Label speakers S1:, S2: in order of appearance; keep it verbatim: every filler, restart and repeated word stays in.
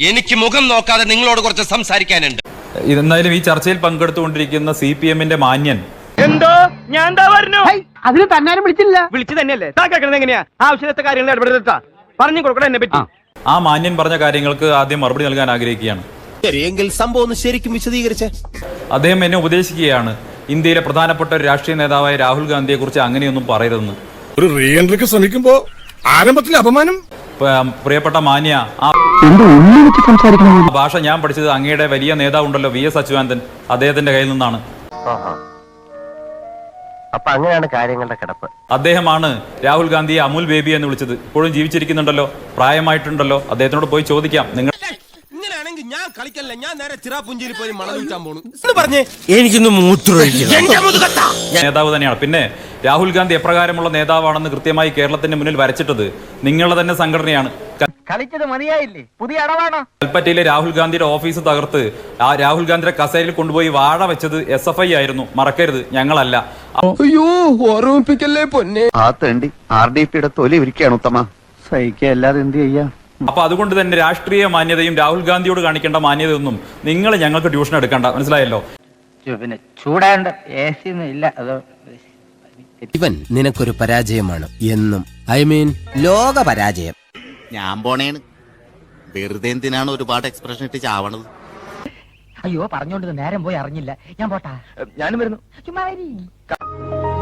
S1: എനിക്ക് മുഖം നോക്കാതെ നിങ്ങളോട് കുറച്ച് സംസാരിക്കാനുണ്ട്.
S2: എന്നാലും ഈ ചർച്ചയിൽ പങ്കെടുത്തുകൊണ്ടിരിക്കുന്ന സി പി എമ്മിന്റെ മാന്യൻ
S3: എന്തോ ഞാൻ എന്താ പറഞ്ഞു
S4: അതിന് തന്നാരും വിളിച്ചില്ല.
S3: വിളിച്ചു തന്നെയല്ലേ താ കേൾക്കണത് എങ്ങനെയാ ആവശ്യത്തെ കാര്യങ്ങൾ ഇടപെടുത്താ പറഞ്ഞു കൊടുക്കണം എന്നെ പറ്റി.
S2: ആ മാന്യൻ പറഞ്ഞ കാര്യങ്ങൾക്ക് ആദ്യം മറുപടി നൽകാൻ ആഗ്രഹിക്കുകയാണ്.
S5: ശരിയെങ്കിൽ സംഭവം ഒന്ന് ശരിക്കും വിശദീകരിച്ചേ.
S2: അദ്ദേഹം എന്നെ ഉപദേശിക്കുകയാണ് ഇന്ത്യയിലെ പ്രധാനപ്പെട്ട ഒരു രാഷ്ട്രീയ നേതാവായ രാഹുൽ ഗാന്ധിയെ കുറിച്ച് അങ്ങനെയൊന്നും പറയരുതെന്ന്.
S6: ഒരു റീ എൻട്രിക്ക് ശ്രമിക്കുമ്പോ ആരംഭത്തിലെ അപമാനം.
S2: പ്രിയപ്പെട്ട മാന്യ, ആ ഭാഷ ഞാൻ പഠിച്ചത് അങ്ങയുടെ വലിയ നേതാവുണ്ടല്ലോ വി എസ് അച്യുതാനന്ദൻ, അദ്ദേഹത്തിന്റെ കയ്യിൽ നിന്നാണ്.
S7: അപ്പൊ അങ്ങനെയാണ് കാര്യങ്ങളുടെ കിടപ്പ്.
S2: അദ്ദേഹമാണ് രാഹുൽ ഗാന്ധിയെ അമുൽ ബേബി എന്ന് വിളിച്ചത്. ഇപ്പോഴും ജീവിച്ചിരിക്കുന്നുണ്ടല്ലോ, പ്രായമായിട്ടുണ്ടല്ലോ. അദ്ദേഹത്തിനോട് പോയി ചോദിക്കാം. നിങ്ങൾ
S5: ഇങ്ങനെയാണെങ്കിൽ ഞാൻ കളിക്കല്ല, ഞാൻ നേരെ ചിറാപുഞ്ചിയിൽ പോയി മണം വിൽക്കാൻ പോണു പറഞ്ഞേ. എനിക്കൊന്ന് മൂത്രമൊഴിക്കണം.
S2: നേതാവ് തന്നെയാണ്. പിന്നെ രാഹുൽ ഗാന്ധി എപ്രകാരമുള്ള നേതാവാണെന്ന് കൃത്യമായി കേരളത്തിന്റെ മുന്നിൽ വരച്ചിട്ടത് നിങ്ങളുടെ തന്നെ സംഘടനയാണ്.
S4: കളിച്ചത് മതിയായില്ലേ? പുതിയ അടവാണോ?
S2: കൽപ്പറ്റയിലെ രാഹുൽ ഗാന്ധിയുടെ ഓഫീസ് തകർത്ത് ആ രാഹുൽ ഗാന്ധിയുടെ കസേരയിൽ കൊണ്ടുപോയി വാഴ വെച്ചത് എസ് എഫ് ഐ ആയിരുന്നു. മറക്കരുത്, ഞങ്ങളല്ല.
S5: അയ്യോ ഓർമ്മിപ്പിക്കല്ലേ പൊന്നെ.
S7: ആ തേണ്ടി ആർ ഡി പിയുടെ തൊലി ഇരിക്കുകയാണ് ഉത്തമ. സഹിക്കല്ലാതെ എന്ത് ചെയ്യാ?
S2: അപ്പൊ അതുകൊണ്ട് തന്നെ രാഷ്ട്രീയ മാന്യതയും രാഹുൽ ഗാന്ധിയോട് കാണിക്കേണ്ട മാന്യതയൊന്നും നിങ്ങൾ ഞങ്ങൾക്ക് ട്യൂഷൻ എടുക്കണ്ട, മനസ്സിലായല്ലോ?
S4: പിന്നെ ചൂടാണ്ട് എ സി ഒന്നും ഇല്ല. അതോ
S5: ഇവൻ നിനക്കൊരു പരാജയമാണ് എന്നും. ഐ മീൻ ലോക പരാജയം.
S8: ഞാൻ പോണേണ്. വെറുതെ എന്തിനാണ് ഒരുപാട് എക്സ്പ്രഷൻ ഇട്ട് ചാവണത്?
S4: അയ്യോ പറഞ്ഞോണ്ട് നേരം പോയി അറിഞ്ഞില്ല. ഞാൻ പോട്ടാ.
S3: ഞാനും വരുന്നു.
S4: ചുമ്മാ